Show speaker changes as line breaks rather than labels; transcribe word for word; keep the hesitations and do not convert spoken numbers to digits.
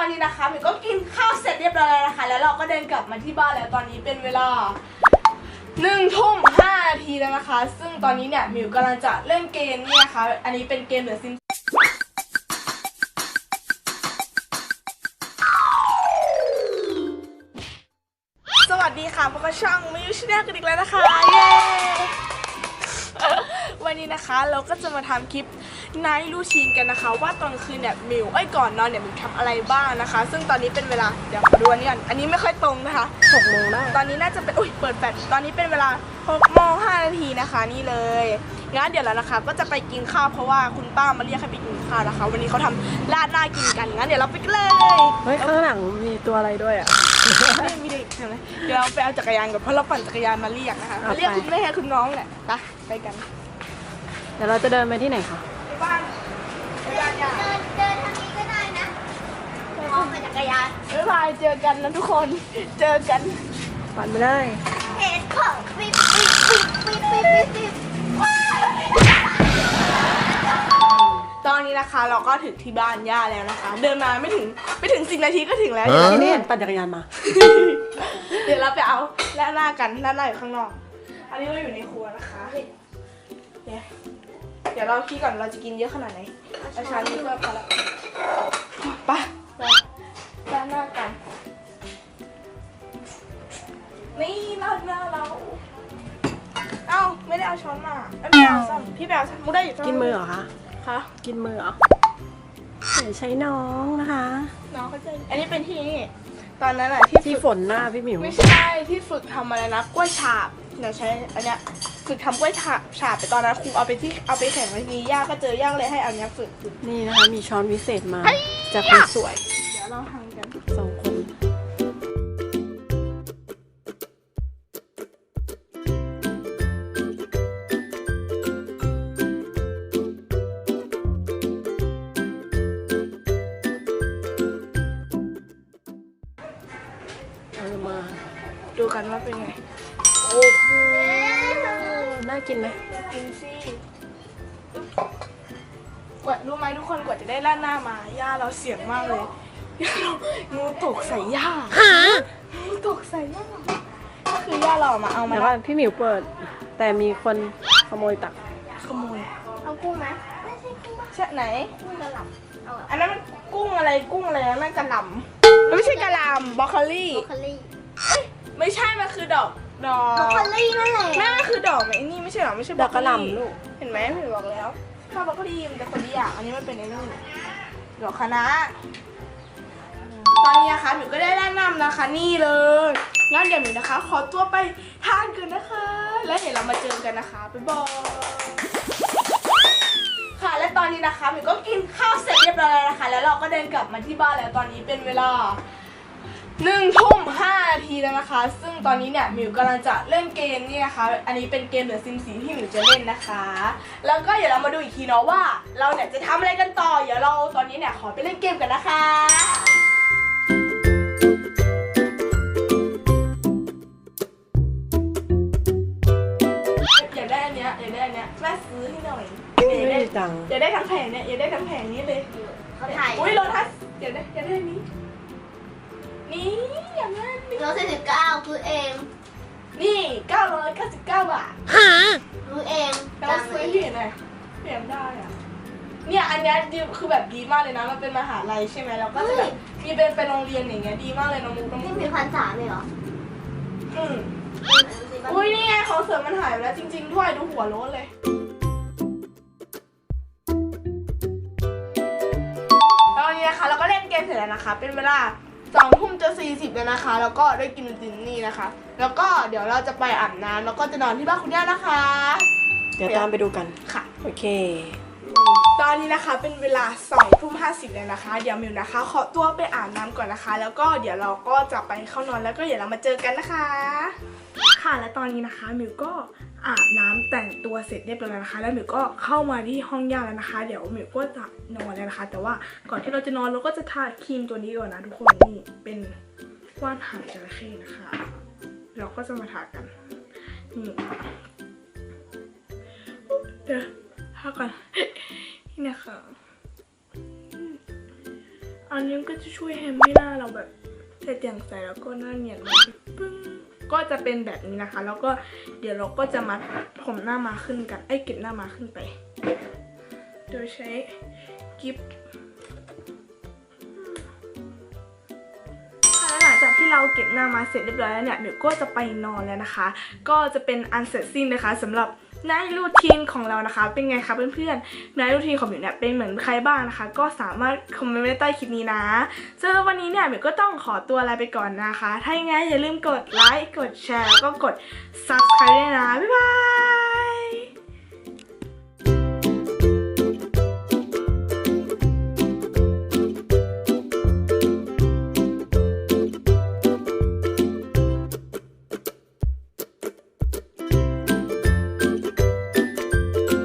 อนนี้นะคะมิวก็กินข้าวเสร็จเรียบร้อยแล้วนะคะแล้วเราก็เดินกลับมาที่บ้านแล้วตอนนี้เป็นเวลาหนึ่งทุ่มห้านาทีแล้วนะคะซึ่งตอนนี้เนี่ยมิวกำลังจะเล่นเกมนี่นะคะอันนี้เป็นเกมเดอะซิมสวัสดีค่ะพวกช่องมิวชแนลกันอีกแล้วนะคะเย้วันนี้นะคะเราก็จะมาทำคลิปไนท์รูทีนกันนะคะว่าตอนคืนเนี่ยมิวไอ้ก่อนนอนเนี่ยมิวทำอะไรบ้างนะคะซึ่งตอนนี้เป็นเวลาเดี๋ยวขอดูอันนี้ก่อนอันนี้ไม่ค่อยตรงนะคะหกโมงได้ตอนนี้น่าจะเป็นอุ้ยเปิดแฟลชตอนนี้เป็นเวลาหกโมงห้านาทีนะคะนี่เลยงั้นเดี๋ยวเรานะคะก็จะไปกินข้าวเพราะว่าคุณป้ามาเรียกให้ไปกินข้าวนะคะวันนี้เขาทำราดหน้ากินกันงั้นเดี๋ยวเราไปกันเลย
เฮ้ยข้างหลังมีตัวอะไรด้วยอ่ะ
ไม่มีเด็กใช่ไหมเดี๋ยวเราไปเอาจักรยานก่อนเพราะเราปั่นจักรยานมาเรียกนะคะมาเรียกคุณแม่คุณน้องแหละไปไปกัน
เดี๋ยวเราจะเดินไปที่ไหนคะ
ไปบ้านจักรยานเดินเดินทางนี้ก็ได้นะมองไปจักรยานบ๊ายบายเจอกันนะทุกคนเจอกัน
ปั่นไปเลย
เห็นของปิ๊บปิ๊บปิ๊บปิ๊บปิ๊บปิ๊บปิ๊บตอนนี้นะคะเราก็ถึงที่บ้านย่าแล้วนะคะเดินมาไม่ถึงไม่ถึงสิบนาทีก็ถึงแล้ว
ที่นี่เห็นปั่นจักรยานมา
เดี๋ยวเราไปเอาแล่หน้ากันแล่หน้าอยู่ข้างนอกอันนี้เราอยู่ในครัวนะคะเนี่ยเดี๋ยวเราคิดก่อนเราจะกินเยอะขนาดไหนอาชานี่ก็พอละไปไปแล่หน้ากันนี่ราดหน้าเราเอ้าไม่ได้เอาช้อนมาไม่ได้เอาซ้ำพี่แบลมุกได้อยู่ซ้ำ
กินมือเหรอคะ
คะ
กินมือเหรอเดี๋ยวใช้น้องนะคะ
น้องเขาจะอันนี้เป็นที่นี่ตอนนั้นอะที่
ที่ฝนหน้าพี่หมิว
ไม่ใช่ที่ฝึกทำอะไรนะกล้วยฉาบเดี๋ยวใช้อันเนี้ยฝึกทำกล้วยฉาบฉาบไปตอนนั้นครูเอาไปที่เอาไปแข่งวันนี้ย่าก็เจอย่าเลยให้เอาเนี้ยฝึก
นี่นะคะมีช้อนวิเศษมาจากคนสวย
เดี๋ยวเราทำกัน
สองคน
ดูกันว่าเป็นไง
โอ้โหน่ากินไหม
กินสิกว่ารู้ไหมทุกคนกว่าจะได้ราดหน้ามาย่าเราเสียงมากเลยย่าเรางูตกใส่ย่างูตกใส่ย่าก็คือย่าเรามาเอามา
แล้วก็พี่หมิวเปิดแต่มีคนขโมยตัก
ขโมยเอากุ้งไหมไม่ใช่กุ้งใช่ไหนกุ้งกระหล่ำอันนั้นมันกุ้งอะไรกุ้งอะไรนั่นกระหล่ำไม่ใช่กระหล่ำบรอกโคลี่
บรอกโคลี่
ไม่ใช่มันคือดอกดอก
บรอกโคลี่นั่นแหละ
นั่นคือดอกไหมนี่ไม่ใช่หรอไม่ใช่
ดอกกระหล่ำลูก
เห็นไหมพี่บอกแล้วข้าวบรอกโคลี่มันจะคนละอย่างอันนี้มันเป็นไอ้นี่ดอกคะน้าตอนนี้นะคะหนูก็ได้แนะนำนะคะนี่เลยงั้นเดี๋ยวหนูนะคะขอตัวไปทานกันนะคะแล้วเดี๋ยวเรามาเจอกันนะคะบ๊ายบายค่ะและตอนนี้นะคะหนูก็กินข้าวเสร็จเรียบร้อยแล้วนะคะแล้วเราก็เดินกลับมาที่บ้านแล้วตอนนี้เป็นเวลาหนึ่งทุ่มห้านาทีแล้วนะคะซึ่งตอนนี้เนี่ยมิวกำลังจะเล่นเกมนี่นะคะอันนี้เป็นเกมเดอะซิมสีที่มิวจะเล่นนะคะแล้วก็เดี๋ยวเรามาดูอีกทีเนาะว่าเราเนี่ยจะทำอะไรกันต่อเดี๋ยวเราตอนนี้เนี่ยขอไปเล่นเกมกันนะคะอยากได้อันเนี้ยอยากได้อันเนี้ยแม่ซื้อให้หน่อย
ไม่ได้ตังค์
อยากได้ทั้งแผงเนี่ยอยากได้ทั้งแผงนี้เลย
เขาถ่าย
อุ้ยโลทัสอยากได้อยากได้อันนี้นี่อย่างนั้นนี่
ร้อยสี่สิบเก้าคือเอง
นี่เก้าร้อยเก้าสิบเก้าบาท
หา
คือเอง
เราซื้อที่ไหนเปลี่ยนได้อะเนี่ยอันนี้ดีคือแบบดีมากเลยนะมันเป็นมหาลัยใช่ไหมแล้วก็จะแบบมีเป็นเป็นโรงเรียนอย่างเงี้ยดีมากเลยน้องมุกน้องมุก
นี่มีพันสามเลยเหรอ
อืมอุ้ยนี่ไงของเสริมมันหายไปแล้วจริงๆด้วยดูหัวโล้นเลยแล้ววันนี้นะคะเราก็เล่นเกมเสร็จแล้วนะคะเป็นเวลาสองทุ่มจะสี่สิบแล้วนะคะแล้วก็ได้กินตินนี่นะคะแล้วก็เดี๋ยวเราจะไปอาบน้ำแล้วก็จะนอนที่บ้านคุณย่านะคะ
เดี๋ยวตามไปดูกัน
ค่ะ
โอเค
ตอนนี้นะคะเป็นเวลาสองทุ่มห้าสิบแล้วนะคะเดี๋ยวมิวนะคะขอตัวไปอาบน้ำก่อนนะคะแล้วก็เดี๋ยวเราก็จะไปเข้านอนแล้วก็เดี๋ยวเรามาเจอกันนะคะค่ะและตอนนี้นะคะมิวก็อาบน้ำแต่งตัวเสร็จเรียบร้อยแล้วนะคะแล้วมิวก็เข้ามาที่ห้องย่าแล้วนะคะเดี๋ยวมิวก็จะนอนแล้วนะคะแต่ว่าก่อนที่เราจะนอนเราก็จะทาครีมตัวนี้ก่อนนะทุกคนนี่เป็นว่านหางจระเข้นะคะเราก็จะมาทากันนี่เดี๋ยวทาก่อนนี่นะคะออันนี้ก็จะช่วยให้หน้าเราแบบใส่แจ่มใสแล้วก็หน้าเนียนมากปึ้งก็จะเป็นแบบนี้นะคะ แล้วก็เดี๋ยวเราก็จะมาผมหน้ามาขึ้นกันไอ้เก็บหน้ามาขึ้นไป โดยใช้กิฟต์หลังจากที่เราเก็บหน้ามาเสร็จเรียบร้อยแล้วเนี่ยเดี๋ยวก็จะไปนอนแล้วนะคะ ก็จะเป็นอันเสร็จสิ้นนะคะสำหรับไนท์รูทีนของเรานะคะ เป็นไงคะเพื่อนๆไนท์รูทีนของหมิวเนี่ยเป็นเหมือนใครบ้างนะคะ ก็สามารถคอมเมนต์ไว้ใต้คลิปนี้นะสำหรับวันนี้เนี่ยหมิวก็ต้องขอตัวลาไปก่อนนะคะ ถ้าอย่างงั้นอย่าลืมกดไลค์กดแชร์แล้วก็กด ซับสไครบ์ ด้วยนะบ๊ายบาย